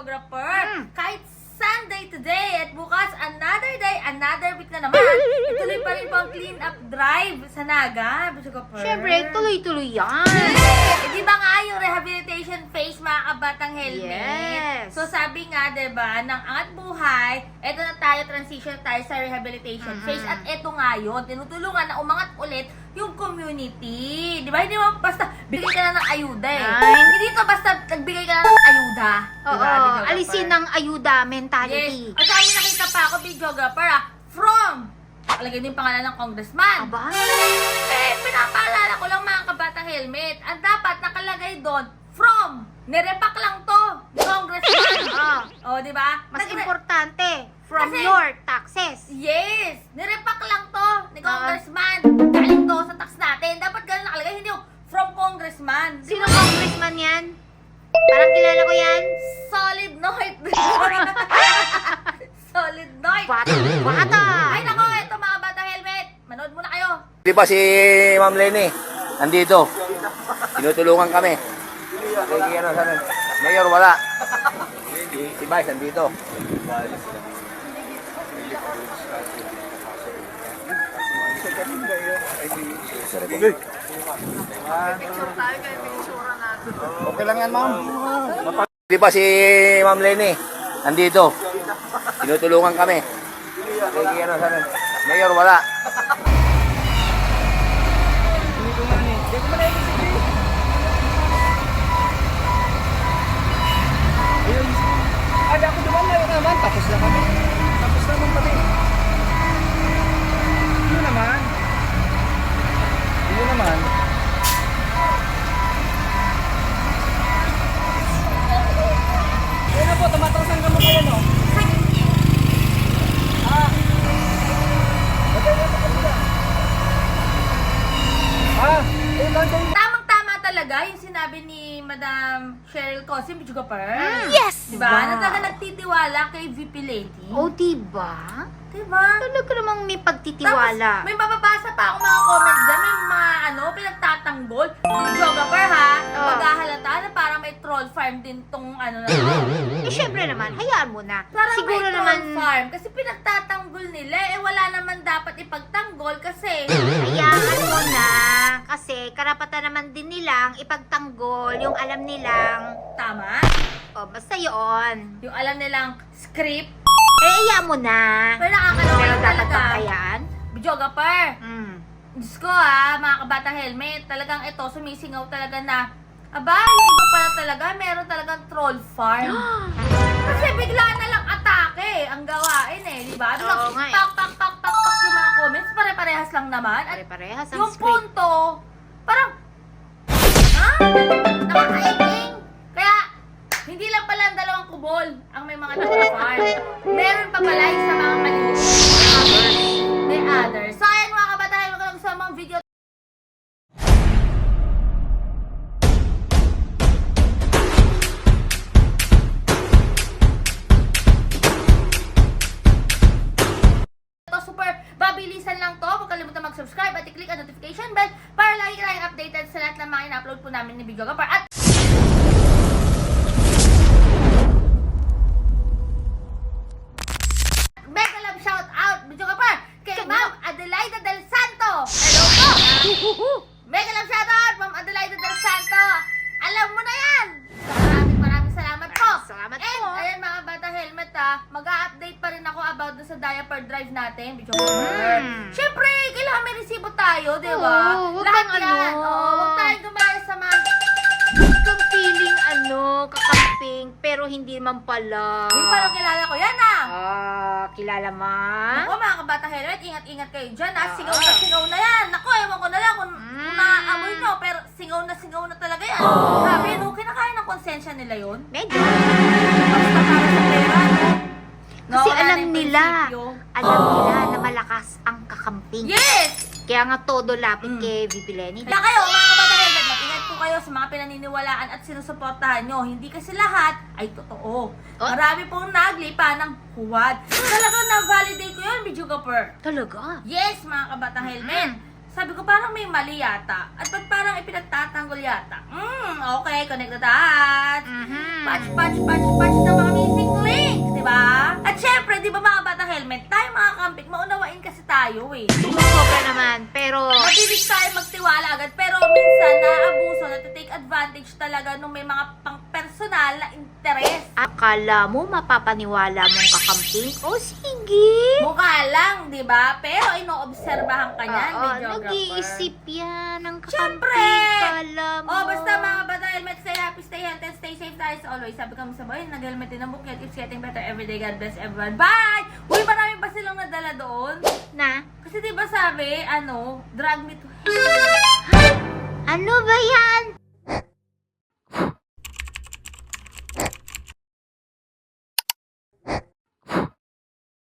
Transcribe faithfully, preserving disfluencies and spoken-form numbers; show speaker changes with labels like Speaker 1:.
Speaker 1: videographer.
Speaker 2: Mm.
Speaker 1: Kahit Sunday today at bukas, another day, another week na naman. Ituloy pa rin po ang clean up drive sa Naga, videographer.
Speaker 2: Siyempre, tuloy-tuloy yan.
Speaker 1: Eh, di ba nga yung rehabilitation phase, mga kabatang helmet?
Speaker 2: Yes.
Speaker 1: So sabi nga, di ba, ng Angat Buhay, eto na tayo, transition tayo sa rehabilitation
Speaker 2: Mhm.
Speaker 1: phase. At eto nga yun, tinutulungan na umangat ulit yung community. Di ba? Hindi mo basta bigay ka na ng ayuda eh.
Speaker 2: Ay.
Speaker 1: Hindi to basta nagbigay ka na ng ayuda.
Speaker 2: Oo,
Speaker 1: Diba, videographer?
Speaker 2: alisin ng ayuda
Speaker 1: Yes.
Speaker 2: mentality.
Speaker 1: At sa amin nakita pa ako, videographer ah, from, nakalagay din yung pangalan ng congressman.
Speaker 2: Aba?
Speaker 1: Eh, pinapaalala ko lang mga kabatang helmet. Ang dapat nakalagay doon, from, nirepak lang to, ni congressman.
Speaker 2: Ah,
Speaker 1: O, di ba?
Speaker 2: mas
Speaker 1: Nagre-
Speaker 2: importante, from
Speaker 1: Kasi-
Speaker 2: your taxes.
Speaker 1: Yes! Nirepak lang to, ni
Speaker 2: Ah.
Speaker 1: congressman. Galing to sa tax natin. Dapat ganun nakalagay, hindi yung from congressman. Di
Speaker 2: Sino
Speaker 1: ba?
Speaker 2: congressman yan? Parang kilala ko yan.
Speaker 1: Solid Noit. Solid Noit.
Speaker 2: Bata. Bata.
Speaker 1: Ay, nako, ito mga bata helmet. Manood muna kayo.
Speaker 3: Di ba si Ma'am Lenny, nandito. Tinutulungan kami. Sige, ano, sana. Mayor, wala. Si Vice, nandito. Okay lang yan, ma'am. Di ba si Ma'am Lenny, nandito. Tinutulungan kami. Sige, ano, sana. Mayor, wala.
Speaker 4: Ada ako duman na naman, tapos na kami. Tapos naman kami. Yun naman. Yun naman. Yan na po, tumatasan ka mo kayo, no? Ah. Batay na sa kanila. Ah, eh, batay.
Speaker 1: Tamang-tama talaga yung sinabi ni Madam Cheryl Cosim, videographer.
Speaker 2: Yes!
Speaker 1: Diba? Na talaga nagtitiwala kay V P Lady.
Speaker 2: O, diba?
Speaker 1: Diba?
Speaker 2: Talaga namang may
Speaker 1: Tapos,
Speaker 2: pagtitiwala.
Speaker 1: may mababasa pa ako mga comments dyan. May mga ano, pinagtatanggol. Videographer ha,
Speaker 2: Oh.
Speaker 1: paghahalata na parang may troll farm din tong ano na.
Speaker 2: Eh, syempre naman, hayaan mo na.
Speaker 1: Parang
Speaker 2: Siguro
Speaker 1: may troll
Speaker 2: naman,
Speaker 1: farm. Kasi pinagtatanggol nila. Eh wala naman dapat ipagtanggol kasi.
Speaker 2: hayaan mo na. Kasi karapatan naman din nilang ipagtanggol yung alam nilang,
Speaker 1: Tama?
Speaker 2: o basta yun.
Speaker 1: Yung alam nilang script.
Speaker 2: Eh, hayaan mo na.
Speaker 1: Pero nakakaloka
Speaker 2: Pero
Speaker 1: lang
Speaker 2: dapat
Speaker 1: talaga.
Speaker 2: bang hayaan?
Speaker 1: Videographer.
Speaker 2: Hmm.
Speaker 1: Diyos ko ha, mga kabata helmet, talagang ito, sumisingaw talaga na, aba, yung iba pala talaga, meron talagang troll farm. Kasi bigla na lang atake ang gawain eh, di ba?
Speaker 2: Oo nga eh.
Speaker 1: Pak, pak, pak, pak, pak yung mga comments, pare-parehas lang naman. At
Speaker 2: Pare-parehas ang
Speaker 1: yung
Speaker 2: script.
Speaker 1: punto, parang, ha? Nakakaiging. Kaya, hindi lang pala ang dalawang kubol ang may mga troll farm. Meron pa pala yung sa mga maliliit. May others. So, ayan mga kabatayan, magandang sa mga video. Ito, super babilisan lang to. Huwag kalimutan mag-subscribe at i-click ang notification bell para lagi kayong updated sa lahat ng mga in-upload po namin ni videographer. At mega love shout out, videographer, kay Ma'am Adelaida Del Santo. Hello po! Mega love shout out, Ma'am Adelaida Del Santo. Alam mo na yan! Maraming maraming salamat po.
Speaker 2: Salamat
Speaker 1: And,
Speaker 2: po.
Speaker 1: ayan mga bata helmet ha, mag-a-update pa rin ako about dun sa diaper drive natin, videographer.
Speaker 2: Mm.
Speaker 1: Siyempre, kailangan may resibo tayo, di ba?
Speaker 2: Oo, wag
Speaker 1: Lahat
Speaker 2: kang
Speaker 1: yan.
Speaker 2: ano.
Speaker 1: Oo, huwag tayong gumaya sa mga...
Speaker 2: Kung feeling ano, kakamping, pero hindi man pala.
Speaker 1: Yung parang kilala ko yan ah.
Speaker 2: Ah, kilala man?
Speaker 1: Ako mga kabata helmet, ingat-ingat kayo dyan ha.
Speaker 2: Ah.
Speaker 1: Singaw na singaw na yan. Ako, ewan ko na lang kung, kung
Speaker 2: Mm.
Speaker 1: naaamoy nyo, pero singaw na singaw na talaga yan.
Speaker 2: Oh.
Speaker 1: Grabe, no? Kinakaya ng konsensya nila yun.
Speaker 2: Medyo.
Speaker 1: Basta para sa pera, no? No,
Speaker 2: Kasi
Speaker 1: wala na
Speaker 2: alam
Speaker 1: yung
Speaker 2: nila,
Speaker 1: prinsipyo.
Speaker 2: alam nila na malakas ang kakamping.
Speaker 1: Yes!
Speaker 2: Kaya nga todo lapit
Speaker 1: Mm.
Speaker 2: kay V P Lenny.
Speaker 1: Kaya kayo, mga kabata helmet, mag-ingat po kayo sa mga pinaniniwalaan at sinusuportahan nyo. Hindi kasi lahat ay totoo.
Speaker 2: Oh.
Speaker 1: Marami pong naglipa ng huwad. Talagang na-validate ko yun, videographer.
Speaker 2: Talaga?
Speaker 1: Yes, mga kabatang helmet. Sabi ko, parang may mali yata. At ba't parang ipinagtatanggol yata? Hmm, okay, connect the dots.
Speaker 2: Mhm.
Speaker 1: Patch, patch, patch, patch ng mga missing link, di ba? At syempre, di ba mga bata helmet, tayo mga kampik, maunawain kasi tayo eh.
Speaker 2: Sobra naman. Pero,
Speaker 1: Mabilis tayo magtiwala agad, pero minsan naabuso, natitake advantage talaga nung may mga pang-personal na interes.
Speaker 2: akala mo mapapaniwala mong kakamping? O sige.
Speaker 1: Mukha lang, di ba? Pero inoobserbahan ka niyan,
Speaker 2: Oo,
Speaker 1: videographer.
Speaker 2: nag-iisip yan ng kakamping.
Speaker 1: Siyempre!
Speaker 2: Kala mo.
Speaker 1: Oh, basta mga bata helmet, stay happy, stay healthy, and stay safe tayo as always. Sabi kami sa boy, nag-helmet din ang bukit. It's getting better every day. God bless everyone. Bye! Uy, marami pa silang nadala doon.
Speaker 2: Na?
Speaker 1: Kasi di ba sabi, ano, drag me to hell.
Speaker 2: Ano ba yan?